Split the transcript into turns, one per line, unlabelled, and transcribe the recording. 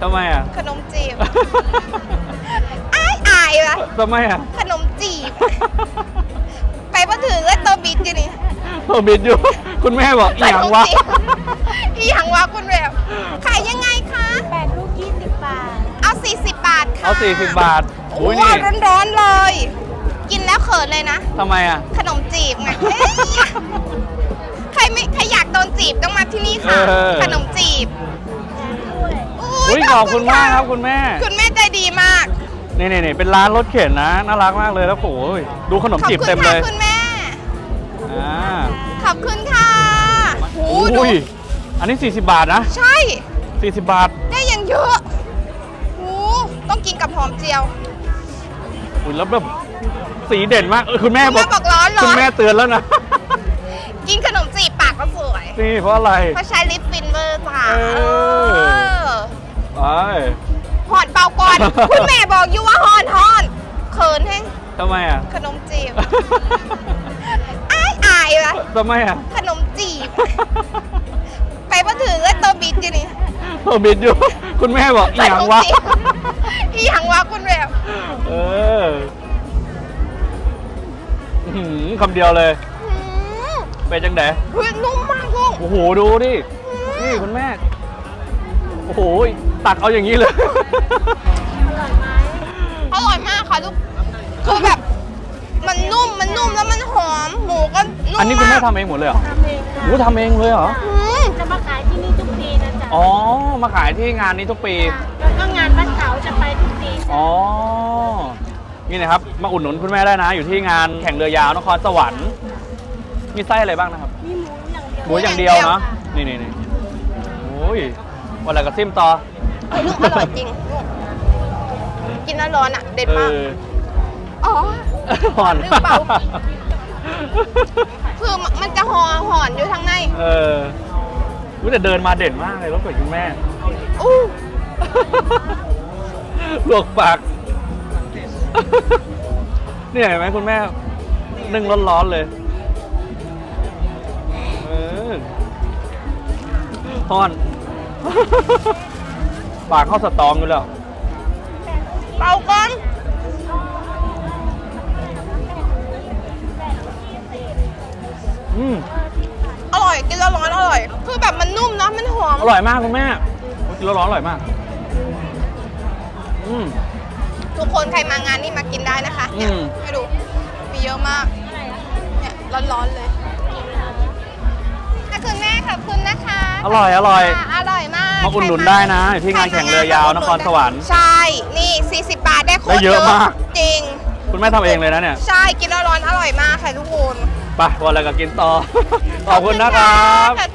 ทำไมอ่ะ
ขนมจีบอายว่ะ
ทำไมอ่ะ
ขนมจีบไปมาถึงก็ตัวบิดอยู่นี่
ตัวบิดอยู่คุณแม่บอกอีหยังวะ
อีหยังวะคุณแบบขายยังไงคะ
8 ลูก 20 บาท
เอา40 บาทค่ะ
เอา40 บาท
โอ้ยร้อนๆเลย กินแล้วเขินเลยนะ
ทำไมอ่ะ
ขนมจีบไงใครอยากโดนจีบต้องมาที่นี่ค่ะขนมจีบ
อุ้ยขอบคุณมากครับคุณแม่
ใจดีมาก
นี่เป็นร้านรถเข็นนะน่ารักมากเลยแล้วโอ้ยดูขนมจีบเต็มเลย
คุณแม่ขอบคุณค่ะ
อุ้ยอันนี้40 บาทนะ
ใช่
40 บาท
ได้ยังเยอะต้องกินกับหอมเจียว
อุ้ยแล้วแบบสีเด่นมากคุณแม่
บอกร้อน
คุณแม่เตือนแล้วนะ
กินขนมจีบปากก็สวย
นี่เพราะอะไร
เพราะใช้ลิปฟินเวอร์จ้า
ไป
หอนเปล่าก่อนคุณแม่บอกอยู่ว่าหอนเขินแห้ง
ทำไมอ่ะ
ขนมจีบอายว่ะ
ทำไมอ่ะ
ขนมจีบไปมาถึงก็ตัวบิดอยู่นี่
ตัวบิดอยู่คุณแม่บอกอีหยังวะ
คุณแบบ
คำเดียวเลยเป็นจังได๋
นุ่มมากลูก
โอ้โหดูดินี่คุณแม่โอ้โหตักเอาอย่างนี้เลย
อร่อยมากค่ะทุกคือแบบมันนุ่มแล้วมันหอมหมูก็นุ่ม
อันนี้คุณแม่ทำเองหมดเลยเหรอ
ทำเองค่ะ
หมูทำเองเลยเหรอ
จะมาขายที่นี่ทุกปีนะจ๊ะ
อ๋อมาขายที่งานนี้ทุกปี
แล้วก็งานบ้านเขาจะไปทุกปี
อ๋อนี่นะครับมาอุดหนุนคุณแม่ได้นะอยู่ที่งานแข่งเรือยาวนครสวรรค์มีไส้อะไรบ้างนะครับ
มีหมูอย่างเดียว
เนาะนี่โอ้ยวันละกระซิมต่อ
ลูกอร่อยจริงกินแล้วร้อนอ่ะเด็ดมากอ๋อ
หอน
หรือเปล่าคือมันจะหอนอยู่ทางใน
แต่เดินมาเด่นมากเลยรถกับคุณแม่ลวกปากเนี่ยเห็นไหมคุณแม่นึ่งร้อนๆเลยฮอนปากเข้าสตองอยู่แล้ว
เป่าก่อนอร่อยกินแล้วร้อนอร่อยคือแบบมันนุ่มนะมันหอม
อร่อยมากคุณแม่กินแล้วร้อนอร่อยมาก
ทุกคนใครมางานนี่มากินได้นะคะเนี่ยให้ดูมีเยอะมากเนี่ยร้อนๆเลยคุณแม่ขอบคุณนะคะ
อร่อย
อร่อยมาก
มาอุดหนุนได้นะที่งานแข่งเรือยาวนครสวรรค์
ใช่นี่40 บาทได้โคตร
เยอะมาก
จริง
คุณแม่ทำเองเลยนะเนี่ย
ใช่กินแล้วร้อนอร่อยมากค่ะทุกคน
ไปวันอะไรก็กินต่อขอบคุณนะครับ